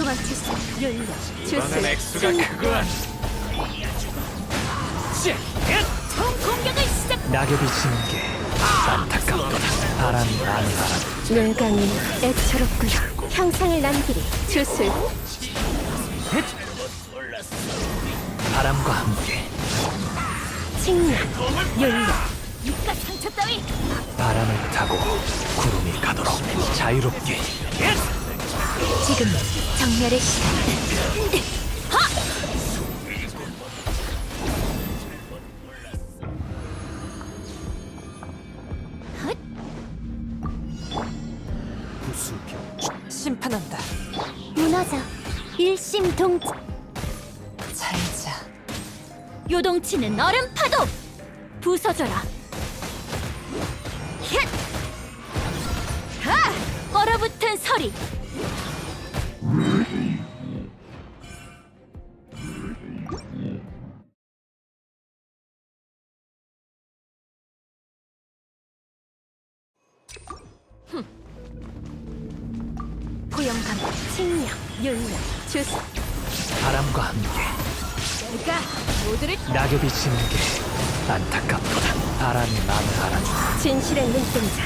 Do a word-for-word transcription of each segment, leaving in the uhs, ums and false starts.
도망칠 수 열려 이번엔 주술 액수가 크구나. 총 공격을 시작. 낙엽이 지는 게 안타깝도다. 바람이 나는 바람. 뇌강이 애처롭구나. 향상을 남기리 주술 바람과 함께 칭량 열려 입가 상처 따위 바람을 타고 구름이 가도록 자유롭게. 지금 정멸의 시간. 심판한다. 무너져 일심동체. 잘자. 요동치는 얼음 파도 부서져라. 힛! 하! 얼어붙은 서리. 포용감, 칭령, 윤령, 주술. 바람과 함께 내가 모두를 낙엽이 지는 게 안타깝도다. 바람이 마음을 알아주네. 진실의 눈동자.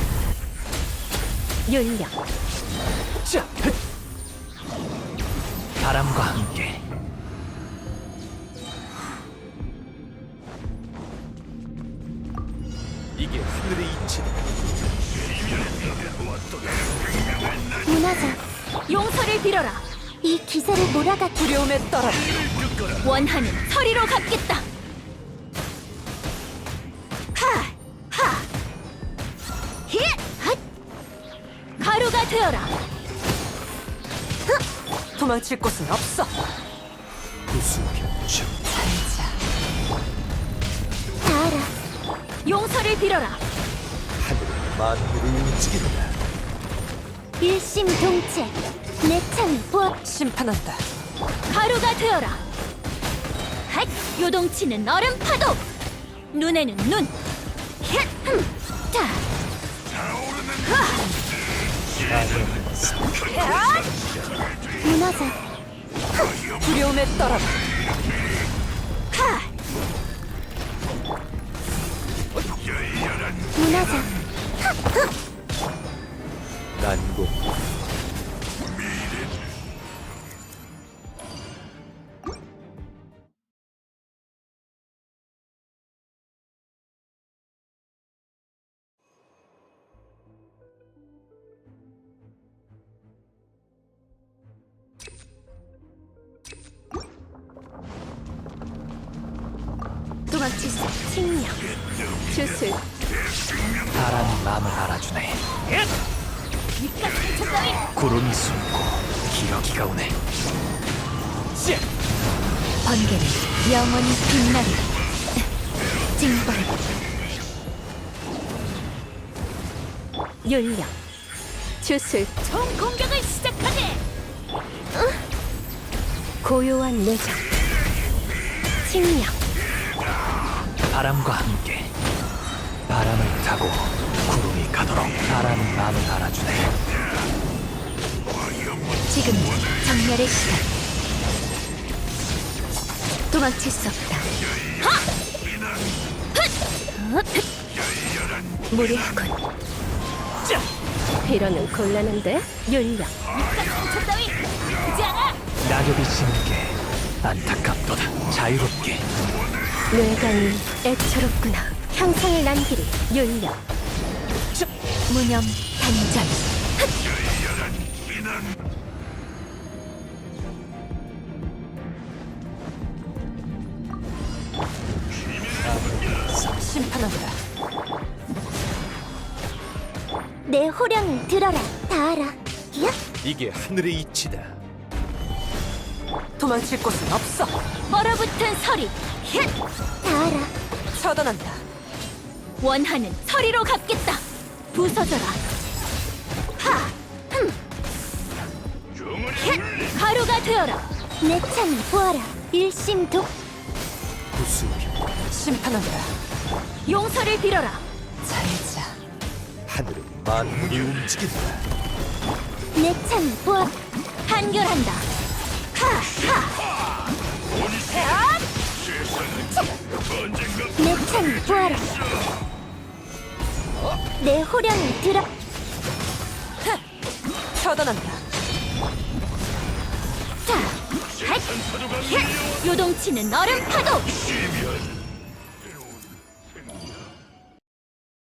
윤령, 자, 흑! 바람과 함께 이게 하늘의 이치다. 무너져 용서를 빌어라. 이 기세를 몰아가 두려움에 떨어라. 원하는 서리로 갚겠다. 하! 하! 히! 핫! 가루가 되어라. 도망칠 곳은 없어. 구수병추. 잘자. 다 알아. 용서를 빌어라. 하늘의 만물을 움직인다. 일심동체. 내 창을 보아. 심판한다. 가루가 되어라. 핫! 요동치는 얼음 파도. 눈에는 눈. 힛! 흠! 자. 하! 무너져. 두려움에 떨어라. 하! 무너져. 난공. 도망칠 수 칭령. 주술. 바람이 마음을 알아주네. 입가 상처 따위 구름이 숨고 기러기가 오네. 번개는 영원히 빛나리. 징벌. 윤령. 주술. 총 공격을 시작하게. 고요한 내정. 칭령. 바람과 함께 바람을 타고 구름이 가도록. 바람이 마음을 알아주네. 지금 정멸의 시간. 도망칠 수 없다. 하! 헛! 헛! 무리하군. 이러는 곤란한데? 윤령. 상처 따위 아프지 않아. 낙엽이 지는 게 안타깝도다. 자유롭게. 뇌강이 애처롭구나. 향상을 남기리. 윤령. 무념 단전. 심판한다. 내 호령을 들어라. 다 알아. 야! 이게 하늘의 이치다. 도망칠 곳은 없어. 얼어붙은 서리. 힛! 다 알아. 처단한다. 원하는 서리로 갚겠다. 부서져라. 하! 흠! 힛! 가루가 되어라. 내 창을 보아라. 일심독. 구수병. 심판한다. 용서를 빌어라. 잘자. 하늘의 만물이 움직인다. 내 창을 보아. 한결한다. 하하. 내 창을 보아라. 내 호령을 들어. 처단한다. 자, 핫! 힛! 요동치는 얼음 파도.